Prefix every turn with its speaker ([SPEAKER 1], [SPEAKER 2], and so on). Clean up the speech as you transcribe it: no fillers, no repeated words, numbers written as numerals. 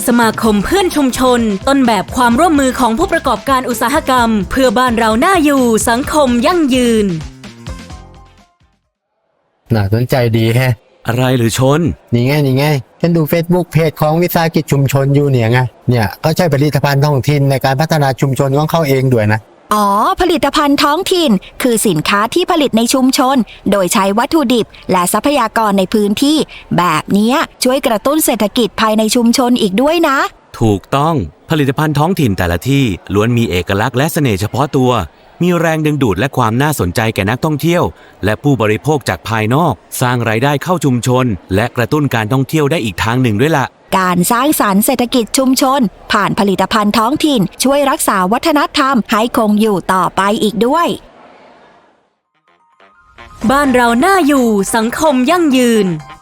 [SPEAKER 1] สมาคมเพื่อนชุมชนต้นแบบความร่วมมือของผู้ประกอบการอุตสาหกรรมเพื่อบ้านเราน่าอยู่สังคมยั่งยืน
[SPEAKER 2] น่าสนใจดีแฮะ
[SPEAKER 3] อะไรหรือชน
[SPEAKER 2] นี่ไงฉันดู Facebook เพจของวิสาหกิจชุมชนอยู่เนี่ยเขาใช้ผลิตภัณฑ์ท้องถิ่นในการพัฒนาชุมชนของเขาเองด้วยนะ
[SPEAKER 4] อ๋อผลิตภัณฑ์ท้องถิ่นคือสินค้าที่ผลิตในชุมชนโดยใช้วัตถุดิบและทรัพยากรในพื้นที่แบบนี้ช่วยกระตุ้นเศรษฐกิจภายในชุมชนอีกด้วยนะ
[SPEAKER 3] ถูกต้องผลิตภัณฑ์ท้องถิ่นแต่ละที่ล้วนมีเอกลักษณ์และเสน่ห์เฉพาะตัวมีแรงดึงดูดและความน่าสนใจแก่นักท่องเที่ยวและผู้บริโภคจากภายนอกสร้างรายได้เข้าชุมชนและกระตุ้นการท่องเที่ยวได้อีกทางหนึ่งด้วยล่ะ
[SPEAKER 4] การสร้างสรรค์เศรษฐกิจชุมชนผ่านผลิตภัณฑ์ท้องถิ่นช่วยรักษาวัฒนธรรมให้คงอยู่ต่อไปอีกด้วย
[SPEAKER 1] บ้านเราน่าอยู่สังคมยั่งยืน